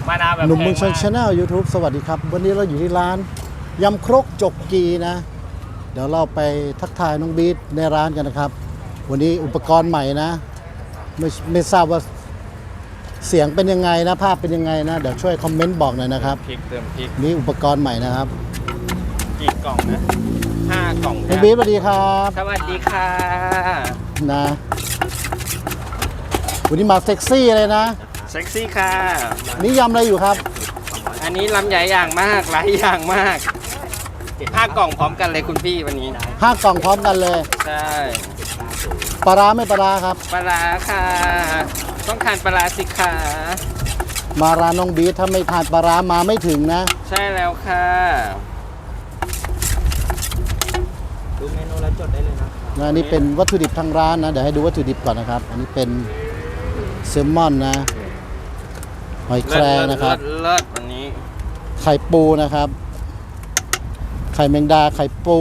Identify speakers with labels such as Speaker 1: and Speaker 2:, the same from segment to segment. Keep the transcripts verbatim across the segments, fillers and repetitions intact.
Speaker 1: มะนาวแบบ
Speaker 2: หนุ่มเมืองชน
Speaker 1: แพง
Speaker 2: ชาแนล ยูทูบ สวัสดีครับ วันนี้เราอยู่ที่ร้านยำครกจกกีนะ เดี๋ยวเราไปทักทายน้องบีทในร้านกันนะครับ วันนี้อุปกรณ์ใหม่นะไม่ไม่ทราบว่าเสียงเป็นยังไงนะภาพเป็นยังไงนะเดี๋ยวช่วยคอมเมนต์บอกหน่อยนะครับ
Speaker 1: พริกเติมพริก
Speaker 2: นี่อุปกรณ์ใหม่นะครับ
Speaker 1: กี่กล่องนะห้ากล่อง
Speaker 2: น้องบีทสวัสดีครับ
Speaker 1: สวัสดีค่ะ
Speaker 2: นะวันนี้มาเซ็กซี่เลยนะ
Speaker 1: เซ็กซี่ค่ะ
Speaker 2: นี่ยำอะไรอยู่ครับ
Speaker 1: อันนี้ลำใหญ่อย่างมากหลายอย่างมากห้ากล่องพร้อมกันเลยคุณพี่วันนี้
Speaker 2: ห้ากล่องพร้อมกันเลย
Speaker 1: ใช่
Speaker 2: ปลาร้าไม่ปลาร้าครับ
Speaker 1: ปลาร้าค่ะ ต้องทานปลาร้าสิคะ
Speaker 2: มาร้านน้องบีทถ้าไม่ทานปลาร้ามาไม่ถึงนะ
Speaker 1: ใช่แล้วค่ะดูเมนูแล้วจดได้เลยนะ
Speaker 2: นะอันนี้เป็นวัตถุดิบทางร้านนะเดี๋ยวให้ดูวัตถุดิบก่อนนะครับ อันนี้เป็นแซลมอนนะหอยแครงนะครับ
Speaker 1: เลิศเลิศวันนี้
Speaker 2: ไข่ปูนะครับ ไข่แมงดาไข่ปู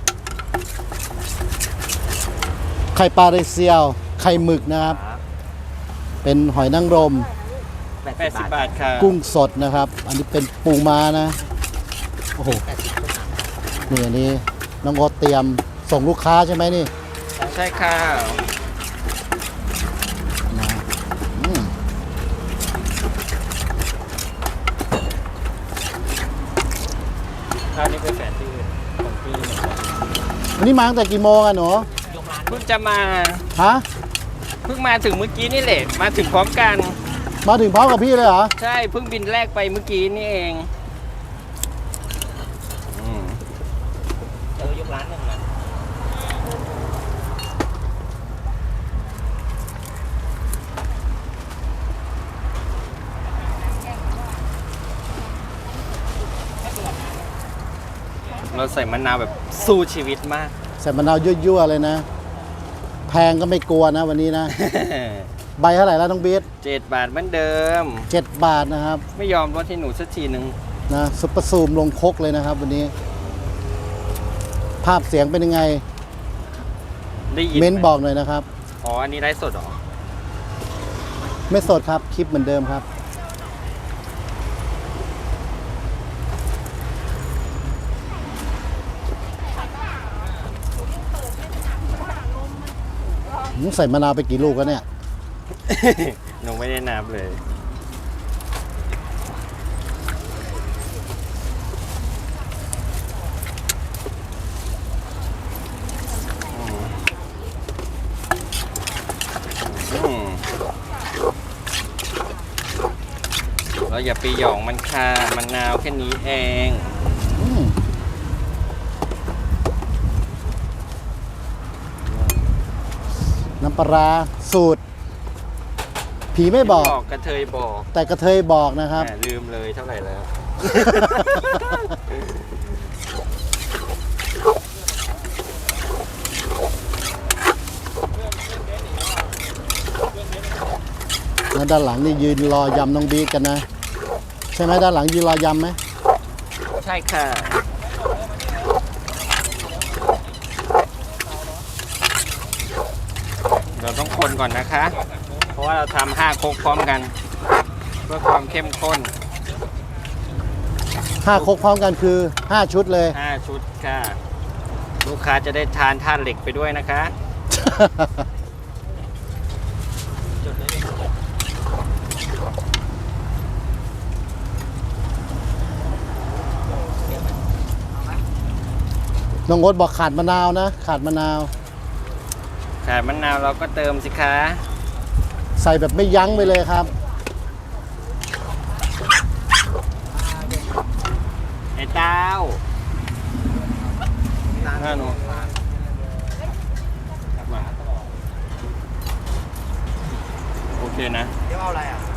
Speaker 2: ไข่ปลาเรเซียวไข่หมึกนะครับ เป็นหอยนางรม
Speaker 1: แปดสิบบาทค่ะ
Speaker 2: กุ้งสดนะครับ อันนี้เป็นปูม้านะโอ้โหนี่อันนี้น้องโอ๊ตเตรียมส่งลูกค้าใช่ไหมนี่
Speaker 1: ใช่ค่ะ
Speaker 2: นะอืม
Speaker 1: ข้าวนี่เป็นแสนที่ของพี่เหมือนกัน
Speaker 2: วันนี้มาตั้งแต่กี่โมงอะหนู
Speaker 1: เพิ่งจะมา
Speaker 2: ฮะ
Speaker 1: เพิ่งมาถึงเมื่อกี้นี่แหละมาถึงพร้อมกัน
Speaker 2: มาถึงพร้อมกับพี่เลยเหรอ
Speaker 1: ใช่เพิ่งบินแรกไปเมื่อกี้นี่เองเออยกร้านหนึ่งนะ เราใส่มะนาวแบบสู้ชีวิตมาก
Speaker 2: ใส่มะนาวยั่วๆเลยนะ แพงก็ไม่กลัวนะวันนี้นะ ใบเท่าไหร่แล้วน้องบีท
Speaker 1: เจ็ดบาทเหมือนเดิม
Speaker 2: เจ็ดบาทนะครับ
Speaker 1: ไม่ยอมลดให้หนูสักทีหนึ่ง
Speaker 2: นะซุปเปอร์ซูมลงครกเลยนะครับ วันนี้ ภาพเสียงเป็นยังไง
Speaker 1: ได้ยิน
Speaker 2: เม้น
Speaker 1: ไห
Speaker 2: บอกหน่อยนะครับ
Speaker 1: อ๋อ อันนี้ไลฟ์สดเหรอ
Speaker 2: ไม่สดครับคลิปเหมือนเดิมครับหืมใส่มะนาวไปกี่ลูกแล้วเนี่ย
Speaker 1: หนูไม่ได้นับเลย อืมเราอย่าไปหยองมันค่ะมันนาวแค่นี้เอง
Speaker 2: อืมน้ำปลาร้าสูตร ผีไม่บอก
Speaker 1: กระเทยบอก
Speaker 2: แต่กระเทยบอกนะครับ
Speaker 1: แหมลืมเลยเท่าไหร่แล้ว
Speaker 2: แล้วด้านหลังนี่ยืนรอยำน้องบีทกันนะ ใช่ไหมด้านหลังยืนรอยำไหม
Speaker 1: ใช่ค่ะ เราต้องคนก่อนนะคะ เพราะว่าเราทำห้าโคกพร้อมกัน เพื่อความเข้มข้น
Speaker 2: ห้าครกพร้อมกันคือห้าชุดเลย
Speaker 1: ห้าชุดค่ะ ลูกค้าจะได้ทานธาตุเหล็กไปด้วยนะคะ
Speaker 2: น้องโอ๊ตบอกขาดมะนาวนะ ขาดมะนาว
Speaker 1: ขาดมะนาวเราก็เติมสิคะ
Speaker 2: ใส่แบบไม่ยั้งไปเลยครับ
Speaker 1: ไอ้เต้าหน้าหนูมาโอเคนะ
Speaker 3: เดี๋ยวเอาอะไรอ่ะ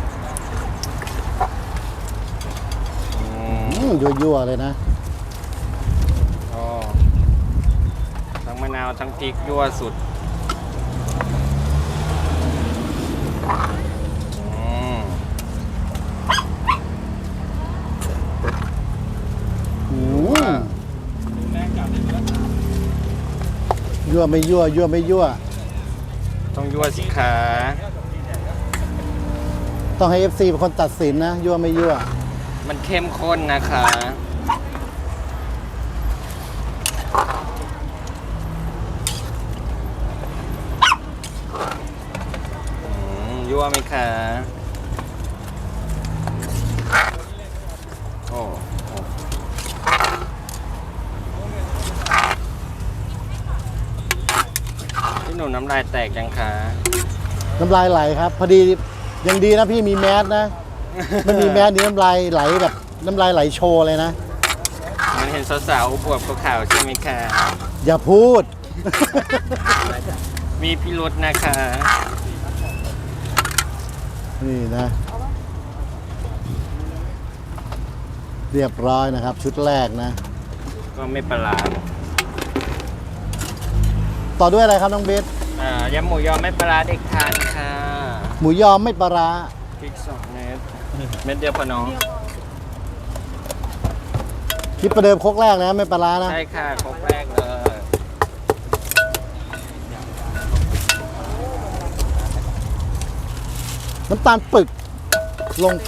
Speaker 1: อืม
Speaker 2: อืมยั่วๆเลยนะ
Speaker 1: อ๋อทั้งมะนาวทั้งพริกยั่วสุดอืม
Speaker 2: อืมยั่วไม่ยั่วยั่วไม่ยั่ว
Speaker 1: ต้องยั่วสิคะ
Speaker 2: ต้องให้ เอฟ ซี เป็นคนตัดสินนะ ยั่วไม่ยั่ว
Speaker 1: มันเข้มข้นนะคะอืมยั่วไหมคะโอ้โอ้พี่หนุ่มน้ำลายแตกยังคะ
Speaker 2: น้ำลายไหลครับ พอดียังดีนะพี่มีแมสนะ ไม่มีแมสนี่น้ำลายไหลแบบน้ำลายไหลโชว์เลยนะ
Speaker 1: มันเห็นสาวๆอวบๆขาวๆใช่ไหมคะ
Speaker 2: อย่าพูด
Speaker 1: มีพิรุธนะคะ
Speaker 2: นี่นะ เรียบร้อยนะครับ ชุดแรกนะ
Speaker 1: ก็ไม่ประหลาด
Speaker 2: ต่อด้วยอะไรครับน้องเบส
Speaker 1: อ่ายำหมูยอไม่ปลาร้าเด็กทานค่ะ
Speaker 2: หมูยอไม่ปลาร้า
Speaker 1: พริกสองเม็ดเม็ดเดียวพอน้อง
Speaker 2: คิดประเดิมครกแรกนะไม่ปลาร้านะ
Speaker 1: ใช่ค่ะครบแรกเลย
Speaker 2: น้ำตาลปึกลงไป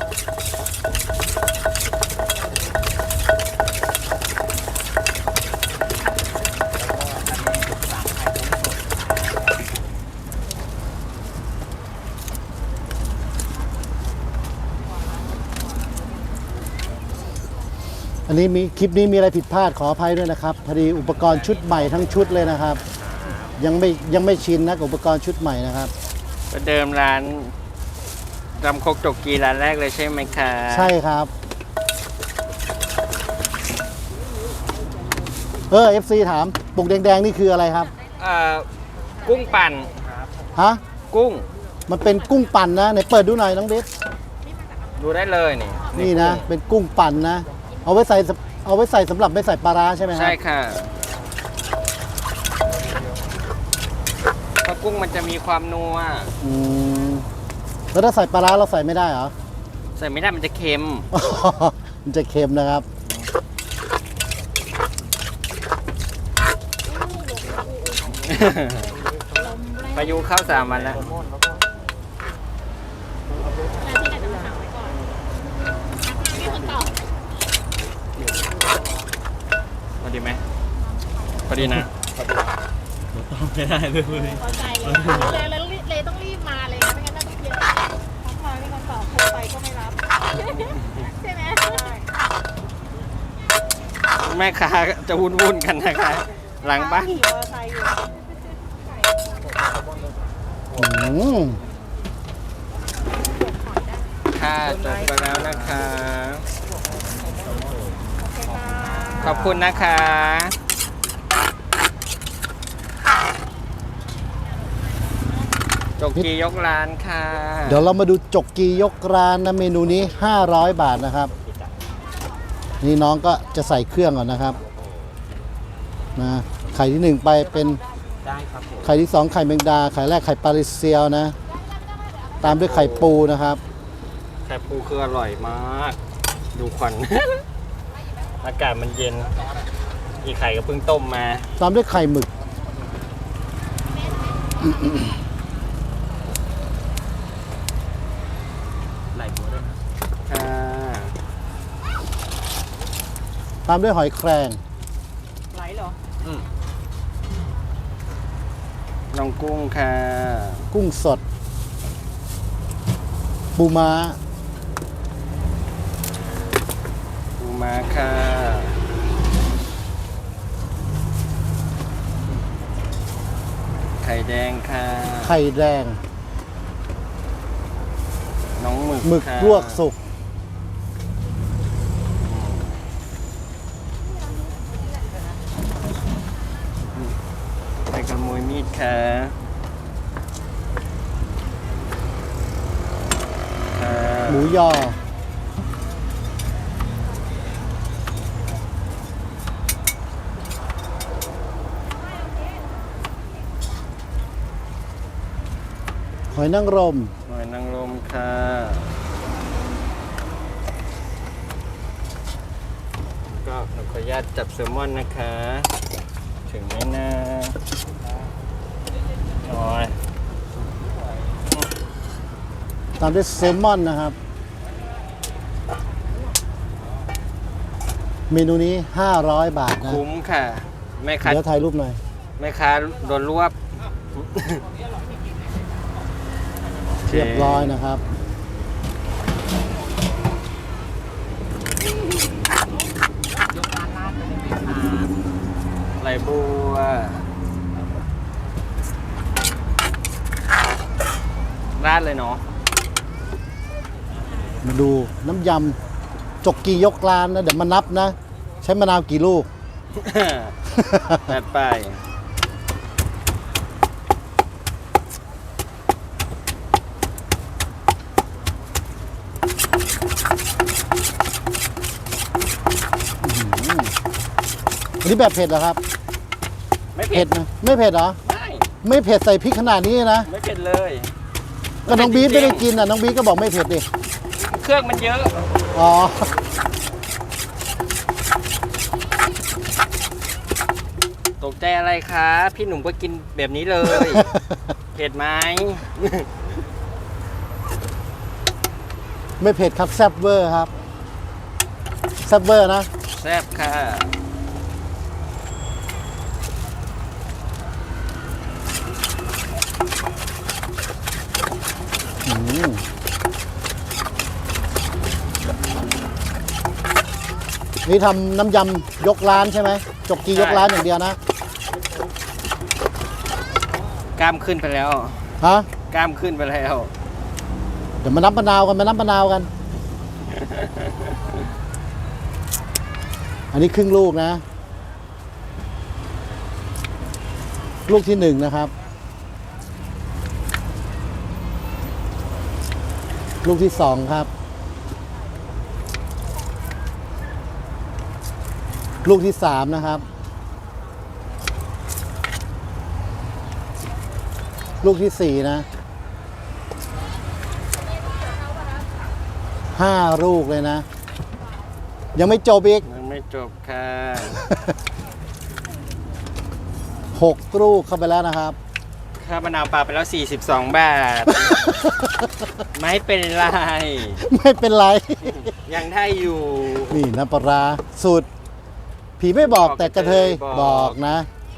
Speaker 2: อันนี้มีคลิปนี้มีอะไรผิดพลาดขออภัยด้วยนะครับพอดีอุปกรณ์ชุดใหม่ทั้งชุดเลยนะครับ ยังไม่ยังไม่ชินนะกับอุปกรณ์ชุดใหม่นะครับ
Speaker 1: ประเดิมร้านรำคกจกกีร้านแรกเลยใช่ไหมคะ
Speaker 2: ใช่ครับ เออ เอฟ ซี ถามปุ่มแดงๆนี่คืออะไรครับ
Speaker 1: เอ่อกุ้งปั่น
Speaker 2: ฮะ
Speaker 1: กุ้ง
Speaker 2: มันเป็นกุ้งปั่นนะไหนเปิดดูหน่อยน้องเบส
Speaker 1: ดูได้เลยนี่
Speaker 2: นี่นะ เป็นกุ้งปั่นนะ เอาไว้ใส่เอาไว้ใส่สำหรับไม่ใส่ปลาร้าใช่ไหมครับ
Speaker 1: ใช่ค่ะเพราะกุ้งมันจะมีความนัว
Speaker 2: อืมแล้วถ้าใส่ปลาร้าเราใส่ไม่ได้เหรอ
Speaker 1: ใส่ไม่ได้มันจะเค็ม
Speaker 2: มันจะเค็มนะครับ
Speaker 1: พายุเข้าสามวันแล้ว พอดีไหมพอดีนะ
Speaker 3: ไม่ได้เลย
Speaker 4: พอใจเลยเลยเลยเลยต้องรีบมาเลยนะไม่งั้นน่าต้องเยอะทักมาไม่งั้นตอบโทรไปก็ไม่รับ ใช่ไหม
Speaker 1: แม่ค้าจะวุ่นวุ่นๆกันนะคะ หลังบ้าน
Speaker 4: ขี่มอเตอร์ไซค์อยู่
Speaker 2: อืม
Speaker 1: ค่ะจบไปแล้วนะคะ ขอบคุณนะคะ จกกียกร้านค่ะ
Speaker 2: เดี๋ยวเรามาดูจกกียกร้านนะเมนูนี้ห้าร้อยบาทนะครับ นี่น้องก็จะใส่เครื่องก่อนนะครับนะไข่ที่หนึ่งไปเป็นไข่ที่สองไข่แมงดา ไข่แรกไข่ปลาริเซียวนะ ตามด้วยไข่ปูนะครับ
Speaker 1: ไข่ปูคืออร่อยมาก ดูควัน อากาศมันเย็น อีกไข่ก็เพิ่งต้มมา
Speaker 2: ตามด้วยไข่หมึก
Speaker 1: ไหลบัวด้วยค่ะ
Speaker 2: ตามด้วยหอยแครง
Speaker 4: ไหลเหรอ
Speaker 1: น้องกุ้งค่ะ
Speaker 2: กุ้งสด ปูม้า
Speaker 1: ปูม้าค่ะ ไข่แดงค่ะ
Speaker 2: ไข่แดง
Speaker 1: น้องหมึก
Speaker 2: หมึก
Speaker 1: ค่ะ
Speaker 2: ลวกสุก
Speaker 1: ไปขโมยมีดค่ะค่ะ
Speaker 2: หมูยอ หอยนางรม
Speaker 1: หอยนางรมค่ะ ก็หนูขออนุญาตจับแซลมอนนะคะ ถึงไหมนะโอ้ย
Speaker 2: ตามด้วยแซลมอนนะครับ เมนูนี้ ห้าร้อย บาทนะ
Speaker 1: คุ้มค่ะแม่ค้า
Speaker 2: เดี๋ยวถ่ายรูปหน่อย
Speaker 1: แม่ค้าโดนรวบ
Speaker 2: เรียบร้อยนะครับ
Speaker 1: ไหลบัวราดเลยเนาะ
Speaker 2: มาดูน้ำยำจกกียกร้านนะ เดี๋ยวมานับนะ ใช้มะนาวกี่ลูก
Speaker 1: จัดไป
Speaker 2: อันนี้แบบเผ็ดเหรอครับ
Speaker 1: ไม่เผ็
Speaker 2: เผ็
Speaker 1: ด
Speaker 2: ดนะไม่เผ็ดเหรอ
Speaker 1: ไม่
Speaker 2: ไม่เผ็ดใส่พริกขนาดนี้นะ
Speaker 1: ไม่เผ็ดเลย
Speaker 2: ก็น้องบีท
Speaker 1: จริ
Speaker 2: ไม่
Speaker 1: งๆ
Speaker 2: ได้กินอ่ะน้องบีทก็บอกไม่เผ็ดดิ
Speaker 1: เครื่องมันเยอะ
Speaker 2: อ๋อ
Speaker 1: ตกใจอะไรคะ พี่หนุ่มก็กินแบบนี้เลย เผ็ดไหม
Speaker 2: ไม่เผ็ดครับแซ่บเวอร์ครับแซ่บเวอร์นะ
Speaker 1: แซ่บค่ะ
Speaker 2: อืมนี่ทำน้ำยำยกร้านใช่ไหมจกกียกร้านอย่างเดียวนะ
Speaker 1: กล้ามขึ้นไปแล้ว
Speaker 2: ฮะ
Speaker 1: กล้ามขึ้นไปแล้ว
Speaker 2: เดี๋ยวมานับมะนาวกันมานับมะนาวกัน อันนี้ครึ่งลูกนะ ลูกที่หนึ่งนะครับ ลูกที่สองครับ ลูกที่สามนะครับ ลูกที่สี่นะ ห้าลูกเลยนะ ยังไม่จบอีก
Speaker 1: ยังไม่จบค่ะ
Speaker 2: หกลูกเข้าไปแล้วนะครับ
Speaker 1: ค่ามะนาวปลาไปแล้ว สี่สิบสอง บาท ไม่เป็นไร
Speaker 2: ไม่เป็นไร
Speaker 1: ยังได้อยู่
Speaker 2: นี่น้ำปลาร้าสูตร ผีไม่บอกแต่กระเทย
Speaker 1: บอก
Speaker 2: บอกนะ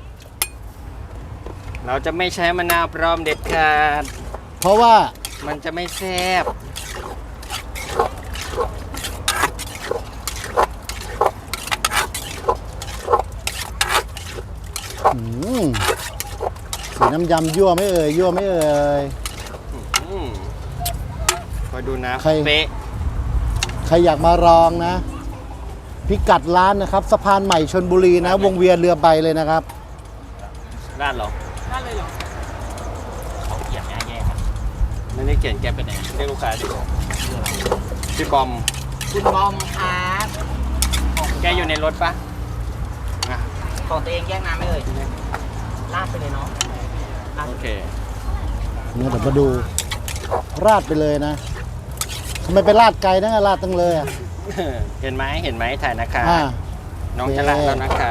Speaker 1: เราจะไม่ใช้มะนาวปลอมเด็ดขาด
Speaker 2: เพราะว่า
Speaker 1: มันจะไม่แซ่บ
Speaker 2: อืมสีน้ำยำยั่วไม่เอ่ยยั่วไม่เอ่ย
Speaker 1: อืมคอยดูนะ
Speaker 2: ใคร
Speaker 1: เป๊ะ
Speaker 2: ใครอยากมาลองนะ พิกัดร้านนะครับสะพานใหม่ชนบุรีนะ วงเวียนเรือใบเลยนะครับ
Speaker 1: ราดเหรอราดเลยเหรอเขาเขียนแย่ๆครับไม่ได้เขียนแกไปไหนเรียกลูกค้าดิพี่บอม
Speaker 5: คุณบอมครับ
Speaker 1: แกอยู่ในรถปะอ่ะ
Speaker 5: ของตัวเองแยกน้ำไม่เอ่ยลาดไปเลยเนาะ
Speaker 1: โอเค
Speaker 2: เนี่ยเดี๋ยวมาดู ราดไปเลยนะทำไมไปราดไกลนะราดตั้งเลยอ่ะ
Speaker 1: เห็นไหมเห็นไหมถ่ายนะคะ
Speaker 2: อ่า
Speaker 1: น้องจะละแล้วนะคะ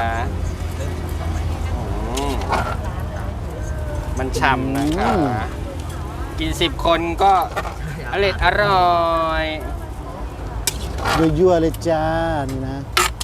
Speaker 1: อืมมันฉ่ำนะคะ กินสิบคนก็อร่อยอร่อย
Speaker 2: ยั่วๆเลยจ้า นี่นะ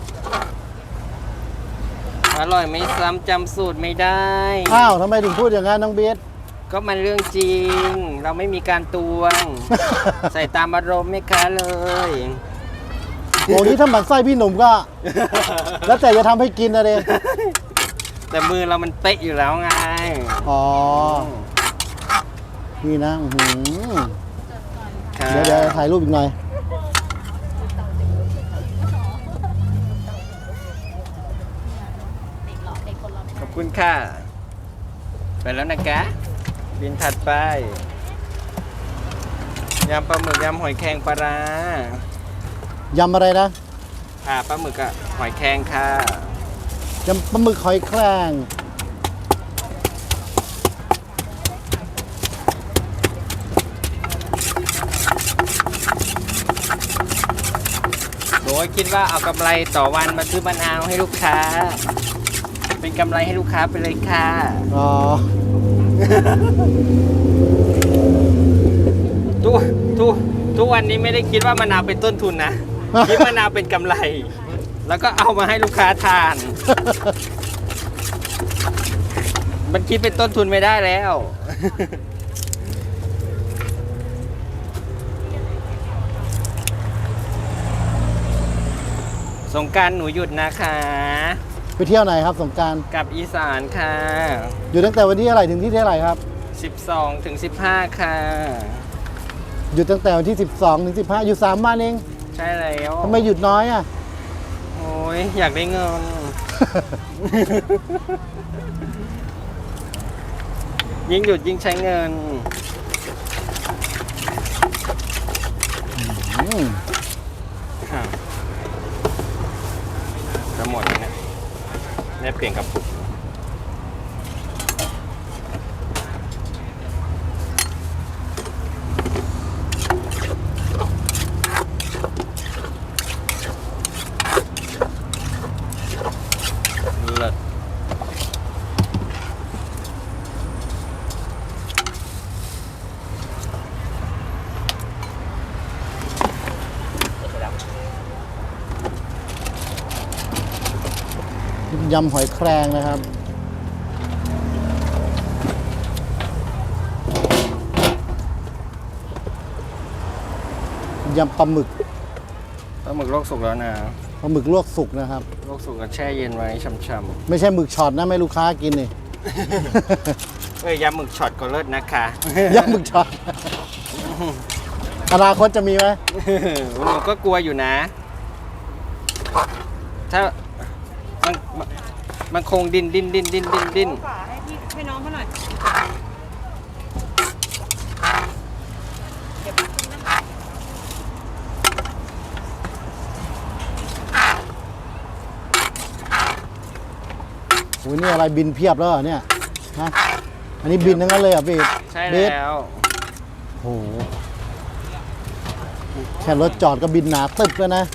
Speaker 1: อร่อยไม่ซ้ำจำสูตรไม่ได้
Speaker 2: อ้าวทำไมถึงพูดอย่างนั้นน้องเบส
Speaker 1: ก็มันเรื่องจริง เราไม่มีการตวง ใส่ตามอารมณ์ไม่ค้าเลย
Speaker 2: โอ้นี้ถ้าหมันไส้พี่หนุ่มก็ แล้วแต่จะทำให้กินนะเด
Speaker 1: แต่มือเรามันเป๊ะอยู่แล้วไง
Speaker 2: อ๋อ นี่นะอื้อหือ
Speaker 1: ค่ะ
Speaker 2: เดี๋ยวเดี๋ยวถ่ายรูปอีกหน่อย
Speaker 1: ขอบคุณค่ะ ไปแล้วนะกะบินถัดไปยำปลาหมึกยำหอยแครงปลาร้าย
Speaker 2: ำอะไรนะ
Speaker 1: ค่ะปลาหมึกกับหอยแครงค่ะ
Speaker 2: ยำปลาหมึกหอยแครง
Speaker 1: โดยคิดว่าเอากำไรต่อวันมาซื้อมะนาวให้ลูกค้า เป็นกำไรให้ลูกค้าไปเลยค่ะ
Speaker 2: อ๋อ
Speaker 1: ทุกทุกทุกทุกวันนี้ไม่ได้คิดว่ามะนาวเป็นต้นทุนนะ คิดมะนาวเป็นกำไร แล้วก็เอามาให้ลูกค้าทาน มันคิดเป็นต้นทุนไม่ได้แล้ว สงกรานต์หนูหยุดนะคะ
Speaker 2: ไปเที่ยวไหนครับสงกรานต์
Speaker 1: กลับอีสานค่ะ
Speaker 2: อยู่ตั้งแต่วันที่เท่าไหร่ถึงที่เท่าไหร่ครับ
Speaker 1: สิบสองถึงสิบห้าค่ะ
Speaker 2: อยู่ตั้งแต่วันที่สิบสองถึงสิบห้าอยู่สามวันเอง
Speaker 1: ใช่แล้ว
Speaker 2: ทำไมหยุดน้อยอ่ะ
Speaker 1: โอ้ยอยากได้เงิน ยิ่งหยุดยิ่งใช้เงิน
Speaker 2: อืม
Speaker 1: จะหมดแล้วเนี่ยได้เปลี่ยนกระปุกเลิศ
Speaker 2: ยำหอยแครงนะครับ ยำปลาหมึก
Speaker 1: ปลาหมึกลวกสุกแล้วนะ
Speaker 2: ปลาหมึกลวกสุกนะครับ
Speaker 1: ลวกสุกก็แช่เย็นไว้ช่ำ
Speaker 2: ไม่ใช่หมึกช็อตนะไม่ลูกค้ากินนี่
Speaker 1: ๆเอ้ยยำหมึกช็อตก็เลิศนะคะ
Speaker 2: ยำหมึกช็อต อนาคตจะมีไหม
Speaker 1: หนูก็กลัวอยู่นะ ถ้ามันมันมันคงดินดินดินดินดินดิน
Speaker 4: ฝาให้พี่ให้น้องเขาหน่อย
Speaker 2: โอ้ยนี่อะไรบินเพียบแล้วเหรอเนี่ยฮะอันนี้บินทั้งนั้นเลยเหรอ่ะพี่
Speaker 1: ใช่
Speaker 2: เบส
Speaker 1: แล้ว
Speaker 2: โอ้โหแค่รถจอดก็บินหนาตึบแล้วนะ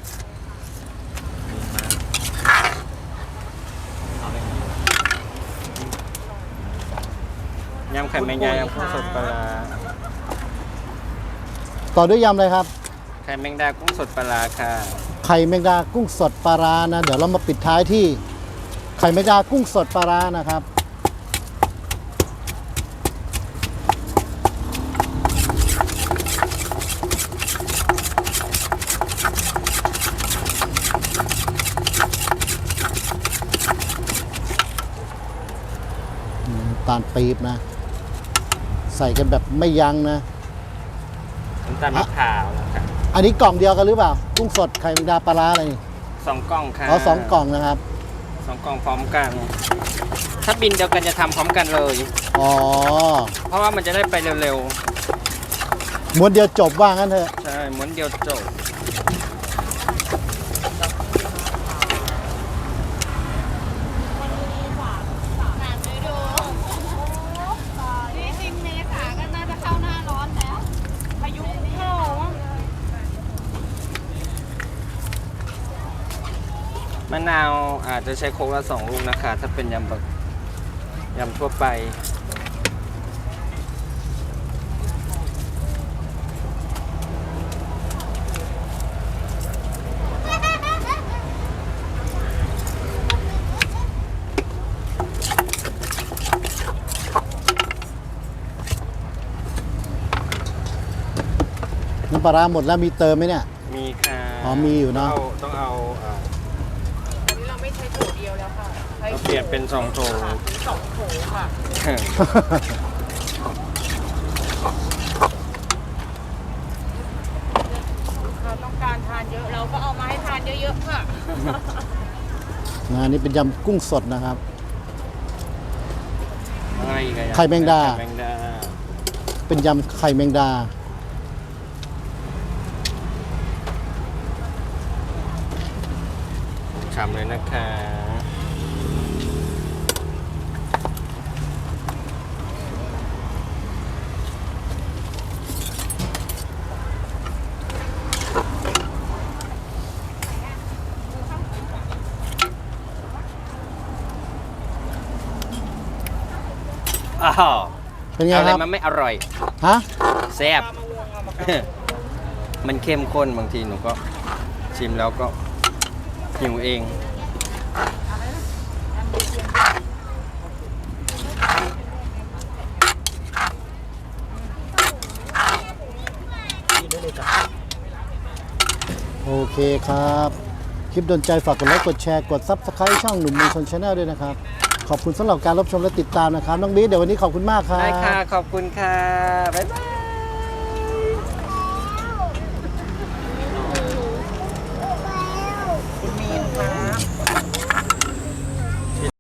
Speaker 1: ยำไข่แมงดายำกุ้งสดปลาร้า
Speaker 2: ต่อด้วยยำเลยครับ
Speaker 1: ไข่แมงดากุ้งสดปลาร้าค่ะ
Speaker 2: ไข่แมงดากุ้งสดปลาร้านะ เดี๋ยวเรามาปิดท้ายที่ ไข่แมงดากุ้งสดปลาร้านะครับ อืมน้ำตาลปี๊บนะ ใส่กันแบบไม่ยั้งนะ
Speaker 1: น้ำตาลมะพร้าวนะครับ
Speaker 2: อันนี้กล่องเดียวกันหรือเปล่า กุ้งสดไข่แมงดาปลาร้าอะไรนี่
Speaker 1: สองกล่องค่ะ
Speaker 2: อ๋อสองกล่องนะครับ
Speaker 1: สองกล่องพร้อมกัน ถ้าบินเดียวกันจะทำพร้อมกันเลย
Speaker 2: อ๋อ
Speaker 1: เพราะว่ามันจะได้ไปเร็ว
Speaker 2: ม้วนเดียวจบว่างั้นเถอะ
Speaker 1: ๆ ใช่ม้วนเดียวจบ
Speaker 4: นี่จริงเมษาก็น่าจะเข้าหน้าร้อนแล้วพายุเข้า
Speaker 1: มะนาวอาจจะใช้โคกละสองลูกนะคะ ถ้าเป็นยำแบบยำทั่วไป
Speaker 2: น้ำปลาร้าหมดแล้วมีเติมไหมเนี่ย
Speaker 1: มีค่ะ
Speaker 2: อ๋อมีอยู่เนอะ
Speaker 1: ต้องเอาต้องเอาอ่า
Speaker 4: อันนี้เราไม่ใช้โถเดียวแล้วค่ะใช้
Speaker 1: เราเปลี่ยนเป็นสองโถ
Speaker 4: สองโถค่ะ เราต้องการทานเยอะเราก็เอามาให้ทานเยอะๆค่ะ
Speaker 2: นะอันนี้เป็นยำกุ้งสดนะครับ
Speaker 1: อะไรอีกอะ
Speaker 2: ไข่แมงดา
Speaker 1: ไข่แมงดา
Speaker 2: เป็นยำไข่แมงดา
Speaker 1: ฉ่ำเลยนะคะ อ้าว
Speaker 2: เป็นไง
Speaker 1: อะไร
Speaker 2: ครับ
Speaker 1: มันไม่อร่อย
Speaker 2: ฮะ
Speaker 1: แซ่บมันเข้มข้นบางทีหนูก็ชิมแล้วก็หิวเอง
Speaker 5: กินได้เลยจ้ะ
Speaker 2: โอเคครับ คลิปโดนใจฝากกดไลค์กดแชร์กด ซับสไครต์ ช่องหนุ่มเมืองชนชาแนลด้วยนะครับ ขอบคุณสำหรับการรับชมและติดตามนะครับ น้องบีทเดี๋ยววันนี้ขอบคุณมากครับ
Speaker 1: ได้ค่ะ ขอบคุณค่ะ บ๊ายบาย